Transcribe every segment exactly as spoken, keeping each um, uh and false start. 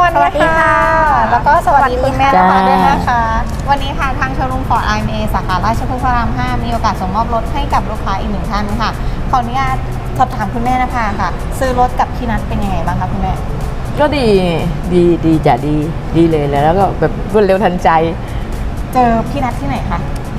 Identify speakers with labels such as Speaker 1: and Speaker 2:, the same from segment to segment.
Speaker 1: สวัสดีค่ะแล้วก็สวัสดีคุณแม่นะคะด้วยนะคะวันนี้ค่ะทางโชว์รูมฟอร์ด ไอ เอ็ม เอ สาขาราชพฤกษ์พระรามห้ามีโอกาสส่งมอบรถให้กับลูกค้าอีกหนึ่งท่านค่ะขออนุญาตสอบถามคุณแม่นะคะค่ะซื้อรถกับพี่นัทเป็นยังไงบ้างคะคุณแม่
Speaker 2: ก็ดีดีดีจ้ะดีดีเลยแล้วก็แบบรวดเร็วทันใจ
Speaker 1: เจอพี่นัทที่ไหนคะ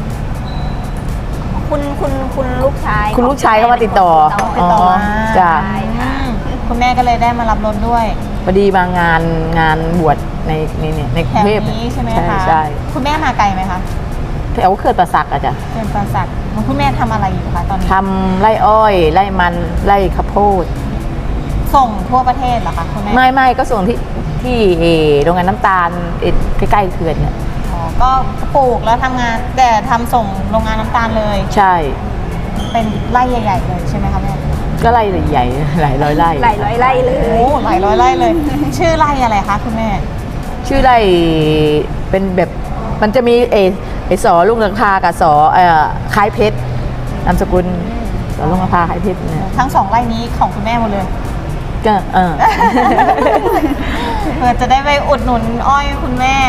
Speaker 3: คุณคุณคุณลูกชาย
Speaker 2: คุณลูกชายก็มาติดต่อ
Speaker 1: ติดต่อมา
Speaker 2: จ้ะ
Speaker 1: คุณแม่ก็เลยได้มารับรถด้วย
Speaker 2: พอดีมางานงานบวชในในเนี่ยในกรุงเทพ
Speaker 1: นี้ใช่ไหมคะ
Speaker 2: ใช่
Speaker 1: คุณแม่มาไกลไหมคะ
Speaker 2: แถวเขื่อนป่าสักอะจ้ะ
Speaker 1: เขื่อนป่าสักคุณแม่ทำอะไรอยู่คะตอนนี้
Speaker 2: ทำไร่อ้อยไร่มันไร่ข้าวโพด
Speaker 1: ส่งทั่วประเทศเหรอคะคุณแม่
Speaker 2: ไม่ไม่ก็ส่งที่ที่โรงงานน้ำตาลใกล้ๆเขื่อนเนี่ย
Speaker 1: อ๋อก็ปลูกแล้วทำงานแต่ทำส่งโรงงานน้ำตาลเลย
Speaker 2: ใช่
Speaker 1: เป็นไร่ใหญ่ๆเลยใช่ไหมคะแม่
Speaker 2: ก็ไร่ใหญ่หลายร้อยไร่
Speaker 3: หลายร้อยไร่เลย
Speaker 1: โอ้หลายร้อยไร่เลยชื่อไร่อะไรคะคุณแม่
Speaker 2: ชื่อไร่เป็นแบบมันจะมีเอไอสอลุงลังพากับสอเอ่อคล้ายเพชรนามสกุลสอลุงลังพาคล้ายเพชรเนี่ย
Speaker 1: ทั้งสองไร่นี้ของคุณแม่หมดเลย
Speaker 2: ก็เออ
Speaker 1: เพื่อจะได้ไปอุดหนุนอ้อยคุณแม่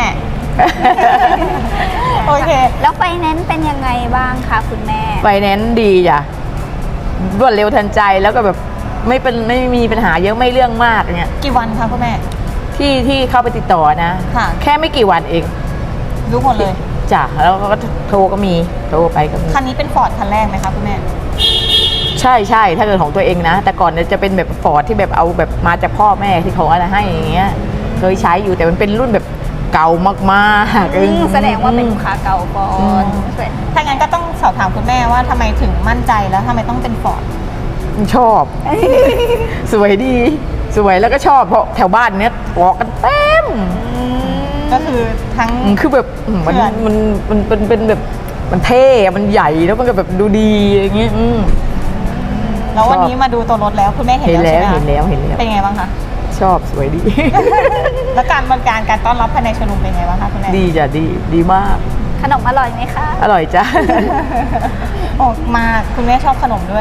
Speaker 1: โอเค
Speaker 3: แล้วไฟแนนซ์เป็นยังไงบ้างคะคุณแม่
Speaker 2: ไฟแนนซ์ดีจ้ะรวดเร็วทันใจแล้วก็แบบไม่เป็นไม่มีปัญหาเยอะไม่เรื่องมากเนี่ย
Speaker 1: กี่วันคะคุณแม่
Speaker 2: ที่ที่เข้าไปติดต่อนะแค่ไม่กี่วันเอง
Speaker 1: รู้หมดเลย
Speaker 2: จ้ะแล้วก็โทรก็มีโทรไปก็มี
Speaker 1: คันนี้เป็นฟอร์ดคันแรกไหมคะคุณแม่
Speaker 2: ใช่ใช่ถ้าเกิดของตัวเองนะแต่ก่อนจะเป็นแบบฟอร์ดที่แบบเอาแบบมาจากพ่อแม่ที่เขาอะไรให้อย่างเงี้ยเคยใช้อยู่แต่มันเป็นรุ่นแบบเก่ามาก
Speaker 3: ๆแสดงว่าเป็นลูกค้าเก่าก่อน
Speaker 1: ถ้างั้นก็ต้องสอบถามคุณแม่ว่าทำไมถึงมั่นใจแล้วทำไมต้องเป็นฟอร์ด
Speaker 2: ชอบสวยดีสวยแล้วก็ชอบเพราะแถวบ้านเนี้ยออกกันเต็ม
Speaker 1: ก็คือทั้ง
Speaker 2: คือแบบมันมันมันเป็นเป็นแบบมันเท่มันใหญ่แล้วมันก็แบบดูดีอย่างเงี้ย
Speaker 1: แล้ววันนี้มาดูตัวรถแล้วคุณแม่เห็น
Speaker 2: แล้วเห็นแล้วเห็นแล้ว
Speaker 1: เป็นไงบ้างคะ
Speaker 2: ชอบสวยดี
Speaker 1: แล้วการบริการการต้อนรับภายในโชว์รูมเป็นไงบ้างคะคุณแม่
Speaker 2: ดีจ้ะดีดีมาก
Speaker 3: ขนมอร่อยไหมคะ
Speaker 2: อร่อยจ้ะ
Speaker 1: โอ้มาคุณแม่ชอบขนมด้วย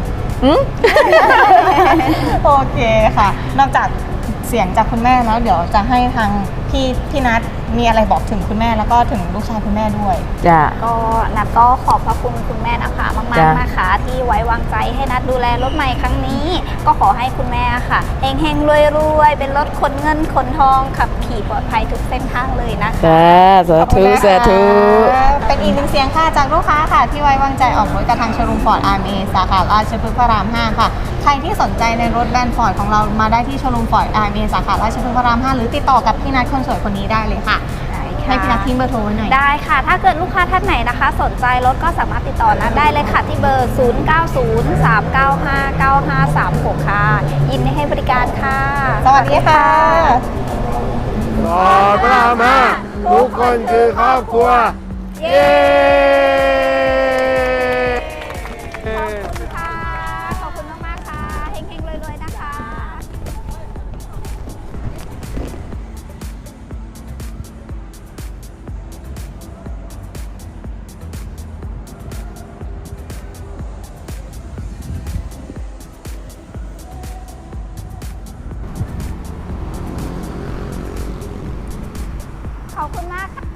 Speaker 1: โอเคค่ะนอกจากเสียงจากคุณแม่แล้วเดี๋ยวจะให้ทางพี่พี่นัทมีอะไรบอกถึงคุณแม่แล้วก็ถึงลูกชายคุณแม่ด้วย
Speaker 2: จ้ะ
Speaker 3: ก็นัทก็ขอบพระคุณคุณแม่นะคะมากๆนะคะที่ไว้วางใจให้นัทดูแลรถใหม่ครั้งนี้ก็ขอให้คุณแม่ค่ะเฮงๆรวยๆเป็นรถขนเงินขนทองขับขี่ปลอดภัยทุกเส้นทางเลยนะคะ
Speaker 2: จ้าสาธุสาธุ
Speaker 1: เป็นอีกหนึ่งเสียงค่ะจากลูกค้าค่ะที่ไว้วางใจออกรถกับทางโชว์รูมฟอร์ด ไอ เอ็ม เอ สาขาราชพฤกษ์พระรามห้าค่ะใครที่สนใจในรถแบรนด์ฟอร์ดของเรามาได้ที่โชว์รูมฟอร์ด ไอ เอ็ม เอ สาขาราชพฤกษ์พระรามห้าหรือติดต่อกับพี่นัทคนสวยคนนี้ได้เลยค่ะให้พี่นัททิ้งเบอร์โทรไว้หน่อย
Speaker 3: ได้ค่ะถ้าเกิดลูกค้าท่านไหนนะคะสนใจรถก็สามารถติดต่อนัทได้เลยค่ะที่เบอร์ศูนย์ เก้า ศูนย์ สาม เก้า ห้า เก้า ห้า สาม หกค่ะยินดีให้บริการค่ะ
Speaker 1: สวัสดีค่ะ
Speaker 4: ฟอร์ดพระรามห้าทุกคนคือครอบครัวเย้
Speaker 3: ขอบคุณมากๆค่ะเฮงๆรวยๆนะคะขอบคุณมากค่ะ